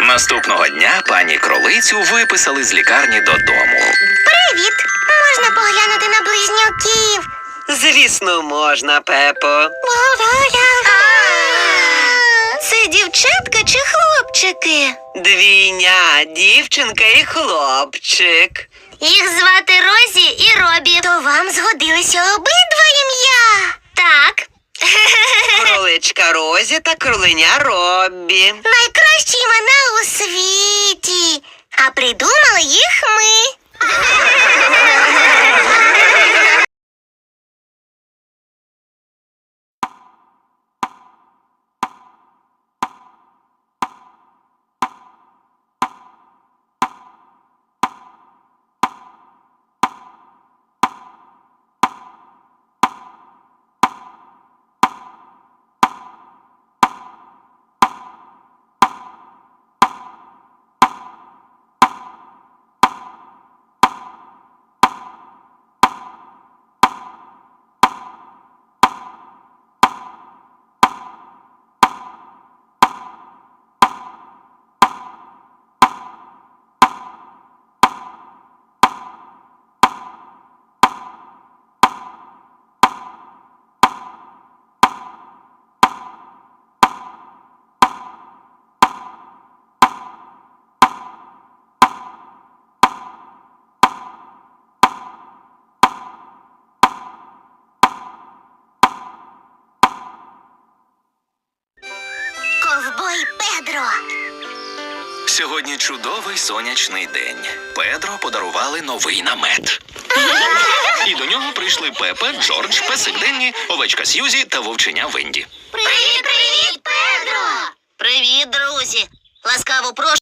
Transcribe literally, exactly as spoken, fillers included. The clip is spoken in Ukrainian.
Наступного дня пані кролицю виписали з лікарні додому. Привіт! Можна поглянути на близнюків? Звісно, можна, Пепо. Це дівчатка чи хлопчики? Двійня, дівчинка і хлопчик. Їх звати Розі і Робі. То вам згодилися обидва ім'я? Так. Кроличка Розі та кроленя Робі. Найкращі імена у світі. А придумали їх ми. Ковбой Педро. Сьогодні чудовий сонячний день. Педро подарували новий намет. І до нього прийшли Пепа, Джордж, песик Денні, овечка Сьюзі та вовченя Венді. Привіт, привіт, Педро! Привіт, друзі! Ласкаво прошу